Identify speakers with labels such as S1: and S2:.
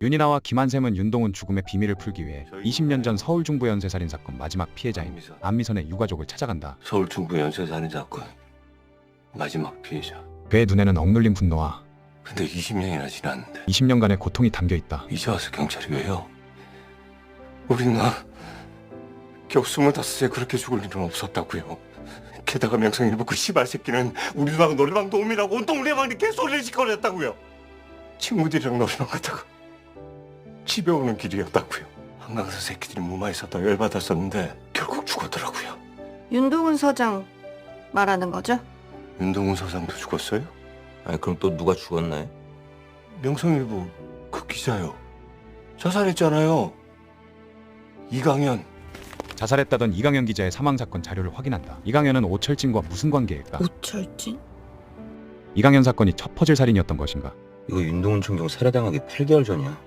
S1: 윤이나와 김한샘은 윤동훈 죽음의 비밀을 풀기 위해 20년 전 서울 중부 연쇄살인 사건 마지막 피해자인 안미선의 유가족을 찾아간다.
S2: 서울 중부 연쇄살인 사건 마지막 피해자.
S1: 그의 눈에는 억눌린 분노와
S2: 근데 20년이나 지났는데
S1: 20년간의 고통이 담겨있다.
S2: 이제 와서 경찰이 왜요? 우리 나 겨우 25에 그렇게 죽을 일은 없었다고요. 게다가 명성일보 그 씨발 새끼는 우리 누나가 노래방 도움이라고 온통 우리 방에 개소리를 시끄러냈다고요. 친구들이랑 노래방 가다가 집에 오는 길이었다고요. 한강에서 새끼들이 무마히 섰다 열받았었는데 결국 죽었더라고요.
S3: 윤동훈 서장 말하는 거죠?
S2: 윤동훈 서장도 죽었어요?
S4: 아니 그럼 또 누가 죽었나요?
S2: 명성일보 그 기자요. 자살했잖아요. 이강현.
S1: 자살했다던 이강현 기자의 사망사건 자료를 확인한다. 이강현은 오철진과 무슨 관계일까?
S3: 오철진?
S1: 이강현 사건이 첫 퍼즐 살인이었던 것인가?
S4: 이거 윤동훈 총경 살해당하기 8개월 전이야.